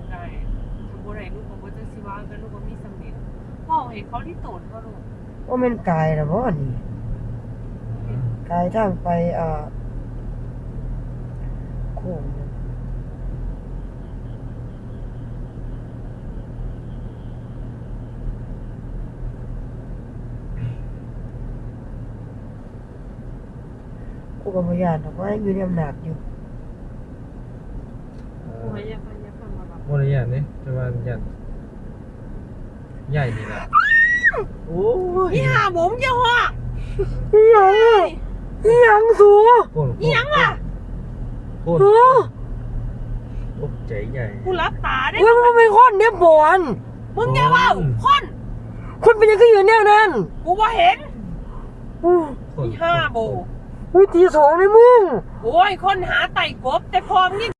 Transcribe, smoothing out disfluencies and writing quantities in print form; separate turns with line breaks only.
ไก่สมบูรณ์ไหนลูกของว่าจะสิว่ากันลูกว่ามีสำเร็จพ่อเห็นเขาที่โตนก็ลูก
ว่ามันกายนะบ่นี่กายทางไปโค้งนะกูกับพยานบอกว่าอยู่ในอำนาจอยู่
กูให้ยาฟังมาแบบ
โมได้ยันนี่แต่ว่ายันใหญ่นี่แหละโอ้ย
นี่หาผมจะหัว
อีหยังอ่ะอีหยังสู
โคตร
นี่ยังล่ะ
โคตรตกใจใหญ่
กูรับตาได้
เว้ยมันเป็นคนเนี่ยบอน
มึงอย่าเว่าคน
คนเป็นยังก็อยู่แนวนั้น
กูว่าเห็น
อู้
โคตร
นี่ห้าโบ
อุ้ยตีสองเลยมึง
โอ้ยคนหาไต่กบแต่พอมยิ่ง